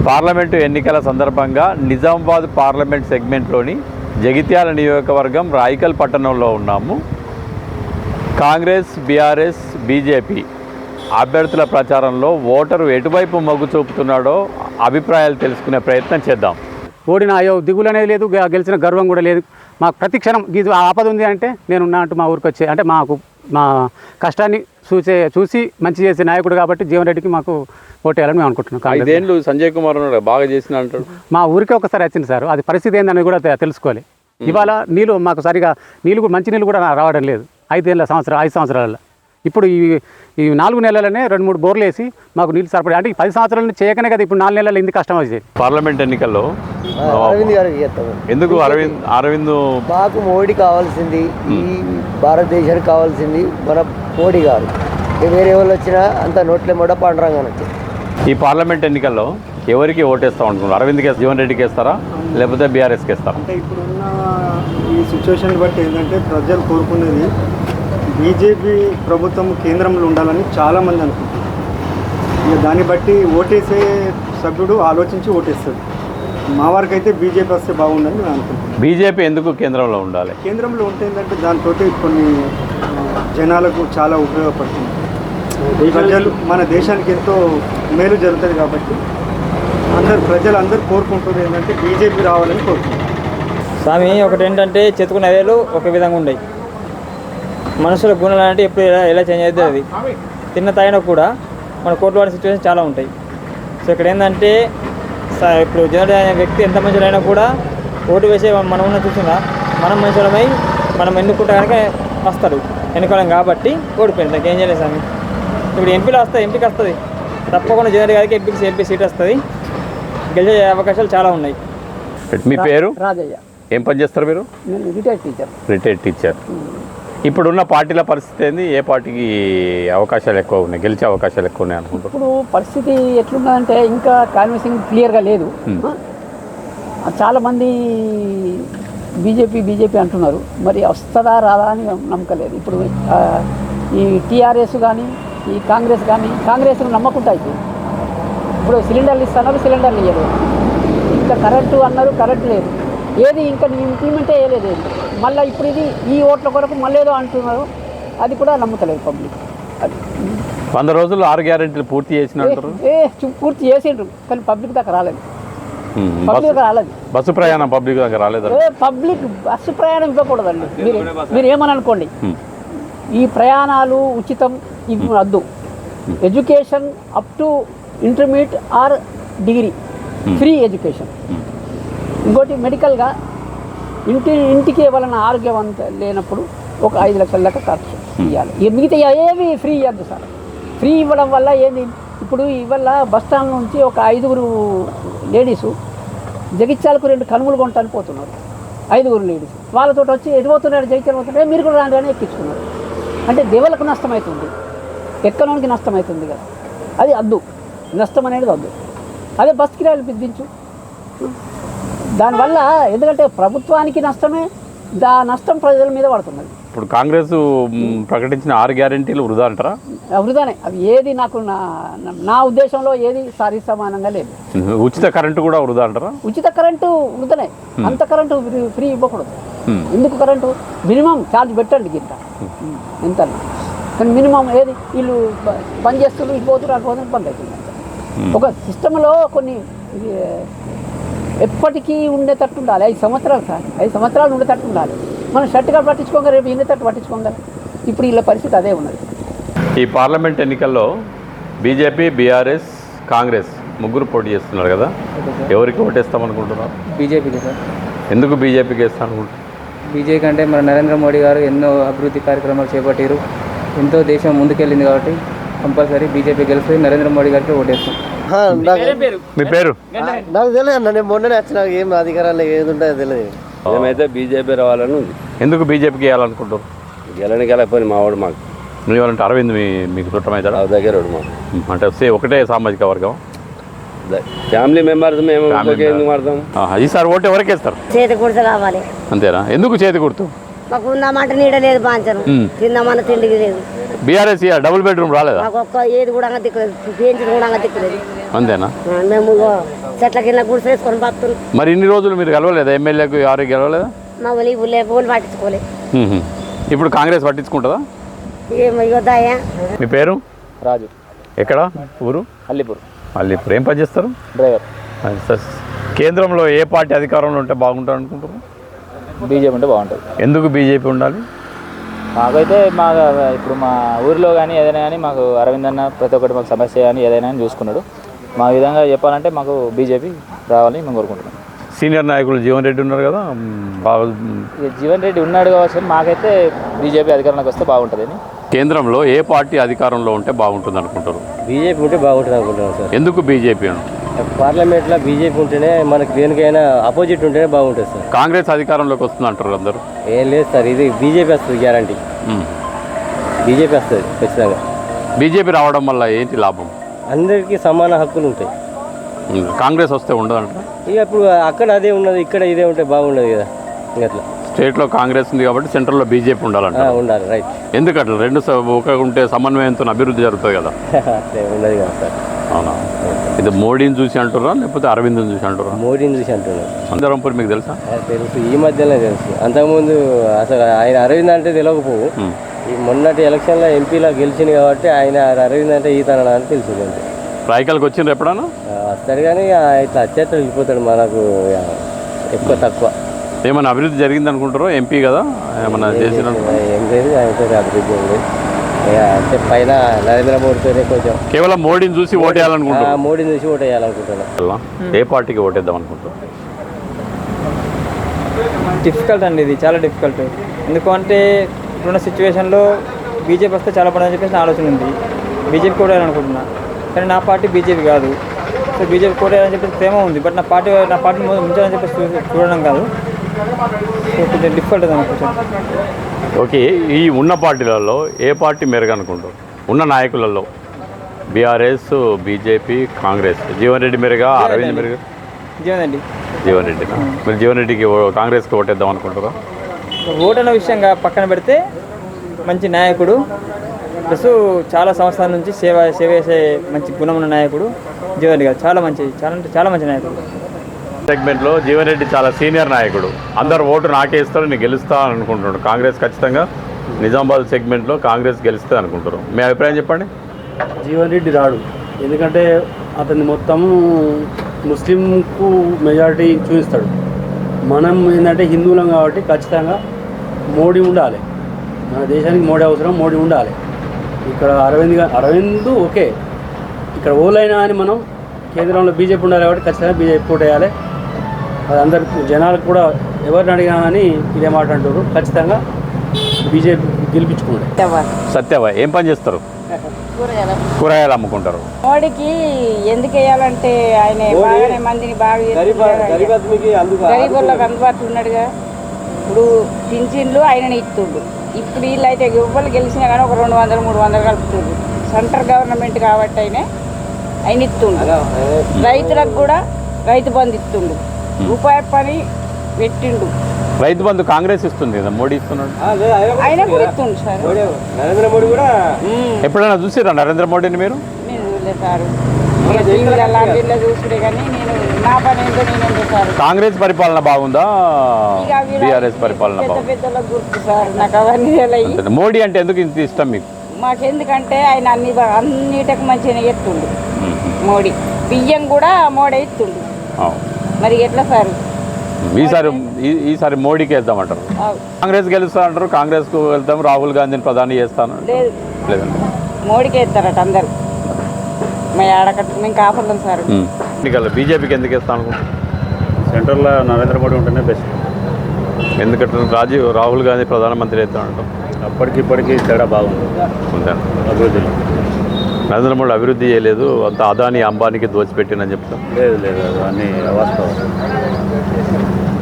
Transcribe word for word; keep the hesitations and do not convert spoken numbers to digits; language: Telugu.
పార్లమెంటు ఎన్నికల సందర్భంగా నిజామాబాద్ పార్లమెంట్ సెగ్మెంట్లోని జగిత్యాల నియోజకవర్గం రాయికల్ పట్టణంలో ఉన్నాము. కాంగ్రెస్, బీఆర్ఎస్, బీజేపీ అభ్యర్థుల ప్రచారంలో ఓటరు ఎటువైపు మొగ్గు చూపుతున్నాడో అభిప్రాయాలు తెలుసుకునే ప్రయత్నం చేద్దాం. ఓడిన అయ్యో దిగులు అనేది లేదు, గెలిచిన గర్వం కూడా లేదు. మాకు ప్రతి క్షణం ఇది ఆపద ఉంది అంటే నేనున్నా అంటూ మా ఊరికి వచ్చే అంటే మాకు మా కష్టాన్ని చూసే చూసి మంచి చేసే నాయకుడు కాబట్టి జీవన్ రెడ్డికి మాకు ఓటేయాలని మేము అనుకుంటున్నాం. ఐదేళ్ళు సంజయ్ కుమార్ ఉన్నాడు, బాగా చేసిన అంటాడు. మా ఊరికే ఒకసారి వచ్చింది సార్, అది పరిస్థితి ఏందనేది కూడా తెలుసుకోవాలి. ఇవాళ నీళ్ళు మాకు సరిగా నీళ్ళు కూడా మంచి నీళ్ళు కూడా రావడం లేదు ఐదేళ్ళ సంవత్సరం ఐదు సంవత్సరాలలో. ఇప్పుడు ఈ ఈ నాలుగు నెలలనే రెండు మూడు బోర్లు వేసి మాకు నీళ్ళు సరిపడే అంటే పది సంవత్సరాల చేయకనే కదా ఇప్పుడు నాలుగు నెలలు ఎందుకు కష్టం వచ్చేది. పార్లమెంట్ ఎన్నికల్లో అరవింద్ గారికి చేస్తాము. ఎందుకు అరవింద్ అరవింద్ మాకు మోడీ కావాల్సింది, ఈ భారతదేశానికి కావాల్సింది మన మోడీ గారు. వేరే వాళ్ళు వచ్చినా అంత నోట్లే మొడ పాండురంగానే వచ్చాయి. ఈ పార్లమెంట్ ఎన్నికల్లో ఎవరికి ఓటేస్తాం అనుకున్నారు? అరవింద్కి జీవన్ రెడ్డికి వేస్తారా లేకపోతే బీఆర్ఎస్కి వేస్తారా? అంటే ఇప్పుడున్న ఈ సిచ్యువేషన్ బట్టి ఏంటంటే ప్రజలు కోరుకునేది బీజేపీ ప్రభుత్వం కేంద్రంలో ఉండాలని చాలామంది అనుకుంటున్నారు. ఇక దాన్ని బట్టి ఓటేసే సభ్యుడు ఆలోచించి ఓటేస్తాడు. మా వారికి అయితే బీజేపీ వస్తే బాగుందని నేను అనుకుంటున్నాను. బీజేపీ ఎందుకు కేంద్రంలో ఉండాలి? కేంద్రంలో ఉంటే ఏంటంటే దాంతో కొన్ని జనాలకు చాలా ఉపయోగపడుతుంది. ప్రజలు మన దేశానికి ఎంతో మేలు జరుగుతుంది కాబట్టి అందరు ప్రజలు అందరూ కోరుకుంటున్నారు ఏంటంటే బీజేపీ రావాలని కోరుకుంటున్నారు. స్వామి ఒకటి ఏంటంటే చెతుకున్న వేలు ఒక విధంగా ఉన్నాయి, మనుషుల గుణాలు అంటే ఎప్పుడు ఎలా ఎలా చేంజ్ అవుతుంది. అది తిన్న తాగినా కూడా మన కోర్టు వాడే సిచ్యువేషన్ చాలా ఉంటాయి. సో ఇక్కడ ఏంటంటే ఇప్పుడు జనరల్ అనే వ్యక్తి ఎంత మంచిదైనా కూడా ఓటు వేసే మనం ఉన్న చూసినా మనం మంచిలమై మనం ఎన్నుకుంటే కనుక వస్తాడు ఎన్నుకోవడం కాబట్టి ఓడిపోయింది. దానికి ఏం చేయలేదు స్వామి. ఇప్పుడు ఎంపీలో వస్తుంది, ఎంపీకి వస్తుంది తప్పకుండా జనరల్ గారికి ఎంపీకి ఎంపీ సీట్ వస్తుంది, గెలిచే అవకాశాలు చాలా ఉన్నాయి. మీ పేరు? రాజయ్య. ఏం పని చేస్తారు మీరు? నేను రిటైర్డ్ టీచర్. Retired teacher. ఇప్పుడున్న పార్టీల పరిస్థితి ఏంది? ఏ పార్టీకి అవకాశాలు ఎక్కువ ఉన్నాయి, గెలిచే అవకాశాలు ఎక్కువ ఉన్నాయి అనుకుంటున్నారు? ఇప్పుడు పరిస్థితి ఎట్లున్నదంటే ఇంకా కాన్వెన్సింగ్ క్లియర్గా లేదు. చాలామంది బీజేపీ బీజేపీ అంటున్నారు, మరి వస్తుందా రాదా అని నమ్మకలేదు. ఇప్పుడు ఈ టీఆర్ఎస్ కానీ ఈ కాంగ్రెస్ కానీ కాంగ్రెస్ను నమ్మకుంటా అయిపోయింది. ఇప్పుడు సిలిండర్లు ఇస్తున్నారు, సిలిండర్లు ఇవ్వలేదు. ఇంకా కరెంటు అన్నారు, కరెంటు లేదు. ఏది ఇంకా ఇంప్లిమెంటే చేయలేదు. మళ్ళీ ఇప్పుడు ఇది ఈ ఓట్ల కొరకు మళ్ళీ ఏదో అంటున్నారు, అది కూడా నమ్ముతలేదు పబ్లిక్. అది వంద రోజులు ఆరు గ్యారెంటీలు పూర్తి చేసినట్టు ఏ పూర్తి చేసిండ్రు కానీ పబ్లిక్ దాకా రాలేదు. పబ్లిక్ దాకా రాలేదు. బస్సు ప్రయాణం పబ్లిక్ దగ్గర రాలేదు. పబ్లిక్ బస్సు ప్రయాణం ఇవ్వకూడదండి. మీరు మీరు ఏమని అనుకోండి, ఈ ప్రయాణాలు ఉచితం ఇవి వద్దు. Education up to intermediate or degree free education. ఇంకోటి మెడికల్గా ఇంటి ఇంటికి ఇవ్వాలన్న ఆరోగ్యం అంత లేనప్పుడు ఒక ఐదు లక్షల దాకా ఖర్చు ఇవ్వాలి. ఇక మిగతా ఏవి ఫ్రీ ఇవ్వద్దు సార్. ఫ్రీ ఇవ్వడం వల్ల ఏంది, ఇప్పుడు ఇవాళ బస్ స్టాండ్ నుంచి ఒక ఐదుగురు లేడీసు జగిత్యాలకు రెండు కనుమలు కొంటానికి పోతున్నారు. ఐదుగురు లేడీస్ వాళ్ళతో వచ్చి ఎటుపోతున్నారు, జగిత్యాలు పోతున్నారు, మీరు కూడా రాండి అని ఎక్కించుకున్నారు. అంటే దేవులకు నష్టం అవుతుంది, ఎక్కడానికి నష్టం అవుతుంది కదా. అది వద్దు, నష్టం అనేది వద్దు. అదే బస్ కిరాయిలు విధించు. దానివల్ల ఎందుకంటే ప్రభుత్వానికి నష్టమే, దా నష్టం ప్రజల మీద పడుతున్నది. ఇప్పుడు కాంగ్రెస్ ప్రకటించిన ఆరు గ్యారెంటీలు వృధా అంటారా? వృధానే అవి. ఏది నాకు నా నా ఉద్దేశంలో ఏది సారీ సమానంగా లేదు. ఉచిత కరెంటు కూడా వృధా అంటారా? ఉచిత కరెంటు వృధనే. అంత కరెంటు ఫ్రీ ఇవ్వకూడదు. ఎందుకు కరెంటు మినిమం ఛార్జ్ పెట్టండి గింత ఎంత, కానీ మినిమం ఏది వీళ్ళు బంద్ చేస్తున్నారు, ఇటు పోతున్నారు, అటు పోతున్నారు, బంద్ అవుతుంది. ఒక సిస్టంలో కొన్ని ఎప్పటికీ ఉండేటట్టు ఉండాలి. ఐదు సంవత్సరాలు సార్, ఐదు సంవత్సరాలు ఉండేటట్టు ఉండాలి. మనం షర్ట్గా పట్టించుకోగా రేపు ఉండేటట్టు పట్టించుకోగా. ఇప్పుడు వీళ్ళ పరిస్థితి అదే ఉన్నది. ఈ పార్లమెంట్ ఎన్నికల్లో బీజేపీ, బీఆర్ఎస్, కాంగ్రెస్ ముగ్గురు పోటీ చేస్తున్నారు కదా, ఎవరికి ఓటేస్తాం అనుకుంటున్నారు? బీజేపీకి సార్. ఎందుకు బీజేపీకి వేస్తాం అనుకుంటున్నారు? బీజేపీ అంటే మన నరేంద్ర మోడీ గారు ఎన్నో అభివృద్ధి కార్యక్రమాలు చేపట్టారు, ఎంతో దేశం ముందుకెళ్ళింది కాబట్టి కంపల్సరీ బీజేపీ గెలిస్తే నరేంద్ర మోడీ గారికి ఓటేస్తాం. మీ పేరు? నాకు తెలియదు అన్న, నేను మొన్ననే వచ్చిన, ఏం అధికారాలు ఏది ఉంటుందో తెలియదు. మేమైతే బీజేపీ రావాలని ఉంది. ఎందుకు బీజేపీకి వేయాలనుకుంటారు? గెలని గెలకపోయి మా వాడు మాకు నువ్వేమంటే అరవింద్ మీ మీకు చుట్టమవుతాడా? దగ్గర మాకు అంటే సే ఒకటే సామాజిక వర్గం, ఫ్యామిలీ మెంబర్స్ మేము ఎందుకు మారుతాం. ఈసారి ఓటు ఎవరికి వేస్తారు? చేతి గుర్తు కావాలి. అంతేనా? ఎందుకు చేతి గుర్తు? మాకు ఉందామంటే నీడ లేదు, పాంచను తిందామన్న తిండికి లేదు. బీఆర్ఎస్ డబుల్ బెడ్రూమ్ రాలేదా? మాకు ఒక్క ఏది కూడా దిక్కులేదు, పెంచింది కూడా దిక్కులేదు. అంతేనా? మేము చెట్ల కింద గుడిసె వేసుకొని బతున్నాం. మరి ఇన్ని రోజులు మీరు గెలవలేదా? ఎమ్మెల్యేకు ఎవరికి గెలవలేదా? మా ఊళ్ళో ఊళ్ళో ఊళ్ళు పట్టించుకోలేదు. మ్మ్. ఇప్పుడు కాంగ్రెస్ పట్టించుకుంటుందా? ఏమో యోధాయా. మీ పేరు? రాజు. ఎక్కడ ఊరు? అల్లిపూర్. అల్లిపూర్. ఏం పని చేస్తారు? డ్రైవర్. సార్, కేంద్రంలో ఏ పార్టీ అధికారంలో ఉంటే బాగుంటుంది అనుకుంటారు? బీజేపీ ఉంటే బాగుంటుంది. ఎందుకు బీజేపీ ఉండాలి? మాకైతే మా ఇప్పుడు మా ఊరిలో కానీ ఏదైనా కానీ మాకు అరవింద్ అన్న ప్రతి ఒక్కటి మాకు సమస్య కానీ ఏదైనా కానీ చూసుకున్నాడు. మా విధంగా చెప్పాలంటే మాకు బీజేపీ రావాలని మేము కోరుకుంటున్నాం. సీనియర్ నాయకులు జీవన్ రెడ్డి ఉన్నారు కదా, బాగా జీవన్ రెడ్డి ఉన్నాడు కావచ్చు, మాకైతే బీజేపీ అధికారంలోకి వస్తే బాగుంటుంది అని. కేంద్రంలో ఏ పార్టీ అధికారంలో ఉంటే బాగుంటుంది అనుకుంటారు? బీజేపీ ఉంటే బాగుంటుంది అనుకుంటున్నాం సార్. ఎందుకు బీజేపీ? పార్లమెంట్లో బీజేపీ ఉంటేనే మనకి దేనికైనా అపోజిట్ ఉంటేనే బాగుంటుంది సార్. కాంగ్రెస్ అధికారంలోకి వస్తుంది అంటారు అందరూ. ఏం లేదు సార్, ఇది బీజేపీ వస్తుంది గ్యారంటీ. బీజేపీ వస్తుంది ఖచ్చితంగా. బీజేపీ రావడం వల్ల ఏంటి లాభం? అందరికీ సమాన హక్కులు ఉంటాయి. కాంగ్రెస్ వస్తే ఉండదంట. ఇక ఇప్పుడు అక్కడ అదే ఉన్నది, ఇక్కడ ఇదే ఉంటే బాగుండదు కదా. ఇంకట్లా స్టేట్లో కాంగ్రెస్ ఉంది కాబట్టి సెంట్రల్లో బీజేపీ ఉండాలంట. ఉండాలి, రైట్. ఎందుకట్లా? రెండు స- ఒక ఉంటే సమన్వయంతో అభివృద్ధి జరుగుతుంది కదా. అట్లే ఉన్నది కదా సార్. అవునా? ఇది మోడీని చూసి అంటురా లేకపోతే అరవింద్ని చూసి అంటురా? మోడీని చూసి అంటున్నారు. సుందరంపూర్ మీకు తెలుసా? తెలుసు, ఈ మధ్యనే తెలుసు. అంతకుముందు అసలు ఆయన అరవింద్ అంటే తెలియకపోవు. ఈ మొన్నటి ఎలక్షన్లో ఎంపీలో గెలిచింది కాబట్టి ఆయన అరవింద్ అంటే ఈతన అని తెలిసింది అంతే. రాయకల్కి వచ్చిండ్రు ఎప్పుడన్నా? వస్తాడు కానీ ఇట్లా వచ్చేట వెళ్ళిపోతాడు. మనకు ఎక్కువ తక్కువ. ఏమైనా అభివృద్ధి జరిగింది అనుకుంటారో? ఎంపీ కదా, ఏమన్నా చేసిన? ఏం లేదు, ఆయనతో అభివృద్ధి ఏం లేదు. ఇక అంటే పైన నరేంద్ర మోడీతోనే కొంచెం. కేవలం మోడీని చూసి ఓటేయాలనుకుంటారు? మోడీని చూసి ఓటు వేయాలనుకుంటున్నాను. ఏ పార్టీకి ఓటేద్దాం అనుకుంటారు? డిఫికల్ట్ అండి, ఇది చాలా డిఫికల్ట్. ఎందుకంటే ఇప్పుడున్న సిచ్యువేషన్లో బీజేపీ వస్తే చాలా పడని చెప్పేసి నా ఆలోచన ఉంది. బీజేపీ కూడా అనుకుంటున్నా, కానీ నా పార్టీ బీజేపీ కాదు. సో బీజేపీ కూడా అని చెప్పేసి ప్రేమ ఉంది, బట్ నా పార్టీ నా పార్టీని ముంచాలని చెప్పేసి చూ- చూడడం కాదు. సో కొంచెం డిఫికల్ట్ అది అనుకుంటున్నాను. ఓకే, ఈ ఉన్న పార్టీలలో ఏ పార్టీ మెరుగు అనుకుంటారు? ఉన్న నాయకులలో BRS, BJP, Congress. Jeevan Reddy మెరుగా, అరవింద్ మెరుగా? జీవన్ రెడ్డి. జీవన్ రెడ్డినా? మీరు జీవన్ రెడ్డికి ఓ- కాంగ్రెస్కి ఓటేద్దాం అనుకుంటారా? ఓటు అన్న విషయంగా పక్కన పెడితే మంచి నాయకుడు, ప్లస్ చాలా సంవత్సరాల నుంచి సేవ సేవ చేసే మంచి గుణం ఉన్న నాయకుడు జీవన్ రెడ్డి గారు. చాలా మంచి చాలా అంటే చాలా మంచి నాయకుడు. సెగ్మెంట్లో జీవన్ రెడ్డి చాలా సీనియర్ నాయకుడు. అందరు ఓటు నాకే ఇస్తారు, నేను గెలుస్తా అని అనుకుంటున్నాడు. కాంగ్రెస్ ఖచ్చితంగా నిజామాబాద్ సెగ్మెంట్లో కాంగ్రెస్ గెలుస్తే అనుకుంటారు. మీ అభిప్రాయం చెప్పండి. జీవన్ రెడ్డి రాడు, ఎందుకంటే అతన్ని మొత్తం ముస్లింకు మెజారిటీ చూపిస్తాడు. మనం ఏంటంటే హిందువులం కాబట్టి ఖచ్చితంగా మోడీ ఉండాలి. మన దేశానికి మోడీ అవసరం, మోడీ ఉండాలి. ఇక్కడ అరవింద్ గా అరవింద్ ఓకే, ఇక్కడ ఓలైనా అని మనం కేంద్రంలో బీజేపీ ఉండాలి కాబట్టి ఖచ్చితంగా బీజేపీ పోటీ వేయాలి. అది అందరికి జనాలకు కూడా ఎవరిని అడిగినా కానీ ఇదే మాట అంటారు. ఖచ్చితంగా బీజేపీ గెలిపించుకోండి. సత్యవా ఏం పని చేస్తారు? కూరగాయలు అమ్ముకుంటారు. మోడీకి ఎందుకు వేయాలంటే ఆయన బాగానే మందిని బాగా గరీబులకు అందుబాటులో ఉన్నాడుగా. ఇప్పుడు పింఛన్లు ఆయన ఇస్తుండు. ఇప్పుడు వీళ్ళు అయితే ఎవ్వరు గెలిచినా కానీ ఒక రెండు వందలు మూడు వందలు కలుపుతుండ్రు. సెంట్రల్ గవర్నమెంట్ కాబట్టి ఆయన ఆయన ఇస్తుండు. రైతులకు కూడా రైతు బంధు ఇస్తుండు. రూపాయి పని పెట్టిండు. రైతు బంధు కాంగ్రెస్ ఇస్తుంది కదా, మోడీ ఇస్తున్నాడు. ఆయన కూడా ఇస్తుండు సార్. నరేంద్ర మోడీ కూడా ఎప్పుడైనా చూసిరా నరేంద్ర మోడీని మీరు? నేను చూడలేదు సార్. టీవీలో చూసుడే కానీ నేను నా పని ఏంటో నేనేం చేశారు. కాంగ్రెస్ పరిపాలన బాగుందా, బీఆర్ఎస్ పరిపాలన పెద్ద బాగుందా? పెద్దలకు గుర్తు సార్, నాకు అవన్నీ తెలియదు. అంతేనా? మోడీ అంటే ఎందుకు ఇంత ఇష్టం మీకు? మాకెందుకంటే ఆయన అన్ని బా- అన్నిటికి మంచిగా ఎత్తుండు. మోడీ బియ్యం కూడా మోడీ ఎత్తుండు. అవును. మరి ఎట్లా సార్? ఈసారి ఈ- ఈసారి మోడీకి వేద్దామంటారు. అవు. కాంగ్రెస్ గెలుస్తా అంటారు, కాంగ్రెస్కు వెళ్తాం, రాహుల్ గాంధీని ప్రధాని చేస్తాను లేదు, లేదండి. మోడీకి ఎత్తారట అందరు. మా ఆడకట్టు మేము కాపులం సార్. బీజేపీకి ఎందుకు వేస్తాను అనుకుంటున్నాను? సెంట్రల్లో నరేంద్ర మోడీ ఉంటేనే బెస్ట్. ఎందుకంటే రాజీవ్ రాహుల్ గాంధీ ప్రధానమంత్రి అవుతానంటాం. అప్పటికి ఇప్పటికీ తేడా బాగుంది అంతేనా? అభివృద్ధిలో. నరేంద్ర మోడీ అభివృద్ధి చేయలేదు, అంత అదాని అంబానీకి దోచిపెట్టినని చెప్తాం. లేదు లేదు అది అన్నీ వాస్తవం.